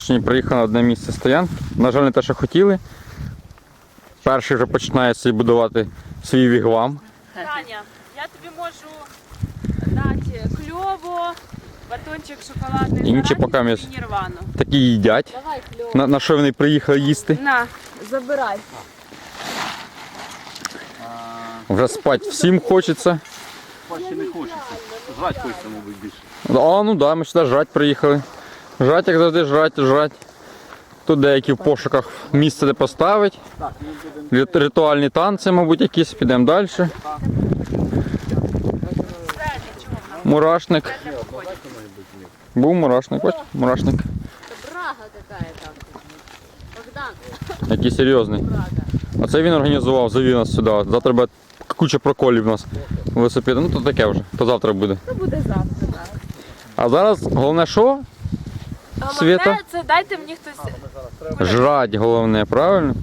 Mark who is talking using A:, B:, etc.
A: Сьогодні приїхали на одне місце стоянки. На жаль, не те, що хотіли. Перший вже починає собі будувати свій вігвам.
B: Таня, я тобі можу дати кльово, батончик шоколадний,
A: Інші поки ми
B: і нірвану.
A: такі їдять.
B: Давай кльово.
A: На що вони приїхали їсти?
B: На, забирай.
A: Вже спати всім хочеться.
C: Спати не хочеться. Жрать хочеться, мабуть, більше.
A: А, ну да, ми сюди жрать приїхали. Жрать, як завжди, жрать. Тут деякі в пошуках місце, де поставити. Ритуальні танці, мабуть, якісь. Підемо далі. Мурашник. Був мурашник, ось мурашник.
B: Брага какая-то. Богдан.
A: Який серйозний. Оце він організував, завів нас сюди. Завтра буде куча проколів у нас велосипеда. Ну то таке вже, то завтра буде.
B: Це буде завтра.
A: А зараз головне що? Світа?
B: Головне, це дайте мені хтось.
A: Жрать головне, правильно?